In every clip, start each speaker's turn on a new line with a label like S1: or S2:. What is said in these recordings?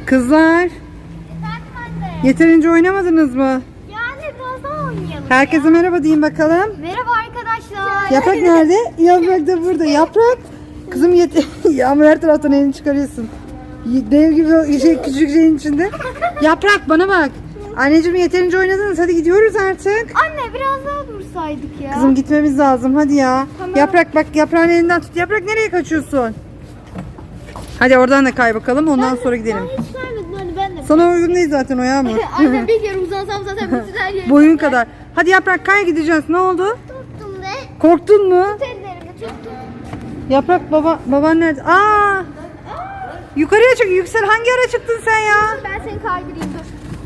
S1: Kızlar,
S2: Efendim anne.
S1: yeterince oynamadınız mı?
S2: Yani biraz daha oynayalım.
S1: Herkese merhaba deyin bakalım.
S2: Merhaba arkadaşlar.
S1: Yaprak nerede? Yaprak da burada. Yaprak. Kızım Yağmur her taraftan elini çıkarıyorsun. Dev gibi o küçük şeyin içinde. Yaprak bana bak. Anneciğim yeterince oynadınız. Hadi gidiyoruz artık.
S2: Anne biraz daha dursaydık ya.
S1: Kızım gitmemiz lazım. Hadi ya.
S2: Tamam.
S1: Yaprak bak, yaprağın elinden tut. Yaprak nereye kaçıyorsun? Hadi oradan da kay bakalım. Ondan sonra gidelim.
S2: Ben hiç vermedim hani ben de.
S1: Sana uygun değil zaten o Yağmur.
S2: Anne bir kere uzansam zaten bütün her yerim.
S1: Boyun kadar. Hadi Yaprak kay, gideceğiz. Ne oldu?
S2: Tuttum be.
S1: Korktun mu?
S2: Tut ellerimi tuttum.
S1: Yaprak baban nerede? Aa! Yukarıya çık. Yüksel, hangi ara çıktın sen ya?
S2: Ben seni kaydırayım dur.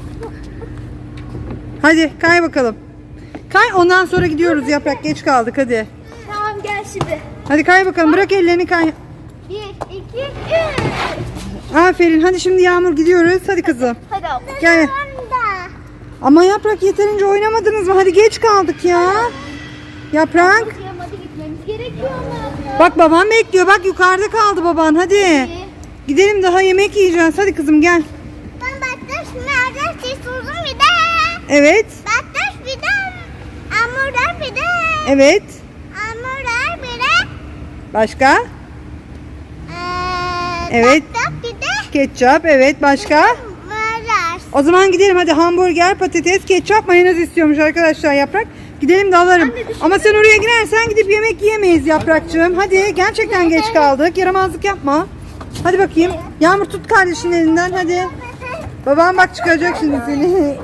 S1: Hadi kay bakalım. Kay, ondan sonra gidiyoruz Yaprak. Geç kaldık hadi.
S2: Tamam gel şimdi.
S1: Hadi kay bakalım. Bırak ellerini, kay.
S2: 1, 2, 3.
S1: Aferin. Hadi şimdi Yağmur gidiyoruz. Hadi kızım.
S2: Hadi abla.
S1: Gel. Ama Yaprak yeterince oynamadınız mı? Hadi geç kaldık ya. Yaprak.
S2: Hadi gitmemiz gerekiyor ama.
S1: Bak baban bekliyor. Bak yukarıda kaldı baban. Hadi. Gidelim, daha yemek yiyeceğiz. Hadi kızım gel.
S2: Ben baktaş nerede siz uzun bir de.
S1: Evet.
S2: Baktaş bir de. Hamurlar bir de.
S1: Evet.
S2: Hamurlar bir de.
S1: Başka? Evet.
S2: Baktaş bir de.
S1: Ketçap. Evet. Başka?
S2: Maraş.
S1: O zaman gidelim hadi. Hamburger, patates, ketçap, mayonez istiyormuş arkadaşlar Yaprak. Gidelim de alırım. Ama sen oraya girersen gidip yemek yiyemeyiz Yaprakçığım. Hadi, gerçekten geç kaldık. Yaramazlık yapma. Hadi bakayım. Yağmur tut kardeşinin elinden hadi. Babam bak çıkaracak şimdi seni.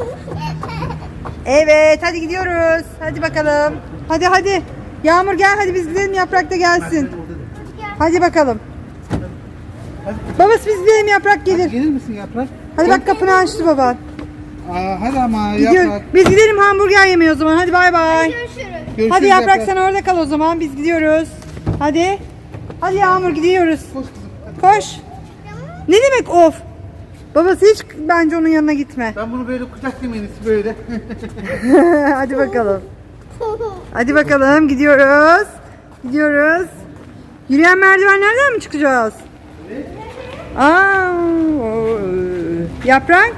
S1: Evet, hadi gidiyoruz. Hadi bakalım. Hadi. Yağmur gel, hadi biz gidelim, Yaprak da gelsin. Hadi bakalım. Babası biz gidelim, Yaprak gelir.
S3: Gelir misin Yaprak?
S1: Hadi bak, kapını açtı baban.
S3: Hadi ama
S1: Gidiyoruz.
S3: Yaprak.
S1: Biz gidelim hamburger yemeye o zaman. Hadi bay bay.
S2: Görüşürüz.
S3: Görüşürüz
S1: Hadi Yaprak sen orada kal o zaman. Biz gidiyoruz. Hadi. Hadi Yağmur gidiyoruz.
S3: Koş kızım.
S1: Koş. Ne demek of? Babası hiç bence onun yanına gitme.
S3: Ben bunu böyle kucaklayayım en iyisi böyle.
S1: Hadi bakalım. Hadi bakalım gidiyoruz. Gidiyoruz. Yürüyen merdivenlerden mi çıkacağız? Aa, Yaprak?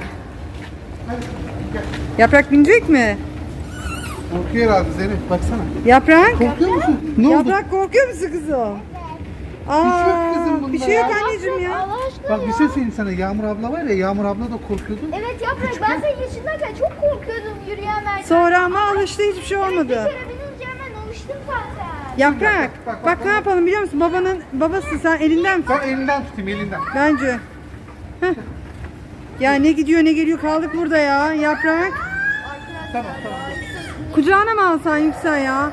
S1: Yaprak binecek mi?
S3: Korkuyor herhalde Zeynep baksana.
S1: Yaprak?
S3: Korkuyor musun? Ne oldu?
S1: Yaprak korkuyor musun kızım? Aa,
S3: Bir şey yok kızım bunda
S1: bir şey yok
S3: ya.
S1: anneciğim ya.
S2: Allah aşkına
S3: Bak
S2: ya.
S3: bir şey söyleyeyim sana. Yağmur abla var ya, Yağmur abla da korkuyordu.
S2: Evet Yaprak ben senin yaşındayken çok korkuyordum yürüyen merdiven.
S1: Sonra ama alıştı, hiçbir şey
S2: Bir
S1: olmadı.
S2: kere binince hemen alıştım zaten.
S1: Yaprak,
S3: Bak,
S1: bak ne yapalım biliyor musun? Babası sen elinden tut.
S3: Ben elinden tutayım elinden.
S1: Bence. Heh. Ya ne gidiyor ne geliyor, kaldık burada ya. Yaprak.
S3: Tamam.
S1: Kucağına mı alsan Yüksel ya?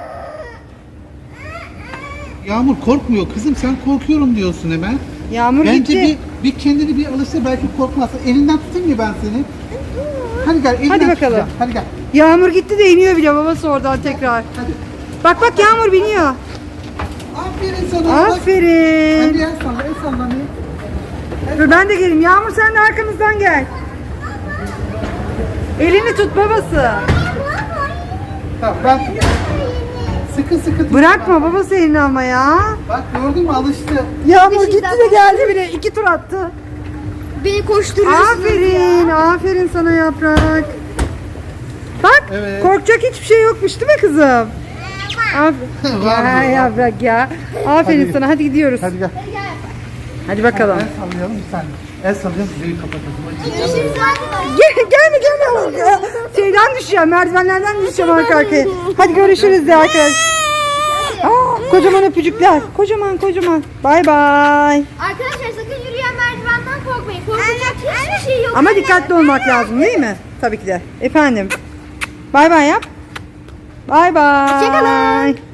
S3: Yağmur korkmuyor kızım, sen korkuyorum diyorsun hemen.
S1: Yağmur
S3: Bence
S1: gitti.
S3: bir kendini bir alıştır, belki korkmazsın. Elinden tutayım ya ben seni. Hadi gel, elinden
S1: Hadi bakalım.
S3: tutacağım. Hadi gel.
S1: Yağmur gitti de iniyor bile babası oradan tekrar.
S3: Hadi.
S1: Bak Yağmur biniyor.
S3: Aferin sana. Bak.
S1: Aferin.
S3: Hadi el salla, el salla.
S1: Dur ben de geleyim. Yağmur sen de arkamızdan gel. Elini tut babası.
S3: Tamam ben sıkı tut.
S1: Bırakma babası elini ama ya.
S3: Bak gördün mü, alıştı.
S1: Yağmur gitti de geldi bile. 2 tur attı.
S2: Beni koşturuyorsunuz
S1: Aferin sana Yaprak. Bak,
S3: Evet.
S1: korkacak hiçbir şey yokmuş değil mi kızım? Aferin.
S3: Var
S1: Ya
S3: mı?
S1: Yaprak ya. Aferin
S3: Hadi.
S1: sana, hadi gidiyoruz.
S3: Hadi gel.
S1: Hadi bakalım.
S3: El sallayalım bir saniye. El sallayalım, videoyu kapatalım.
S2: Görüşürüz arkadaşlar.
S1: Gelme. Şeyden düşeceğim, merdivenlerden düşeceğim arka arkaya. Hadi görüşürüz de arkadaşlar. Kocaman öpücükler. Kocaman. Bay bay.
S2: Arkadaşlar sakın yürüyen merdivenden korkmayın. Korkacak hiçbir şey yok.
S1: Ama dikkatli olmak lazım değil mi? Tabii ki de. Efendim. Bay bay yap. Bay bay.
S2: Hoşçakalın.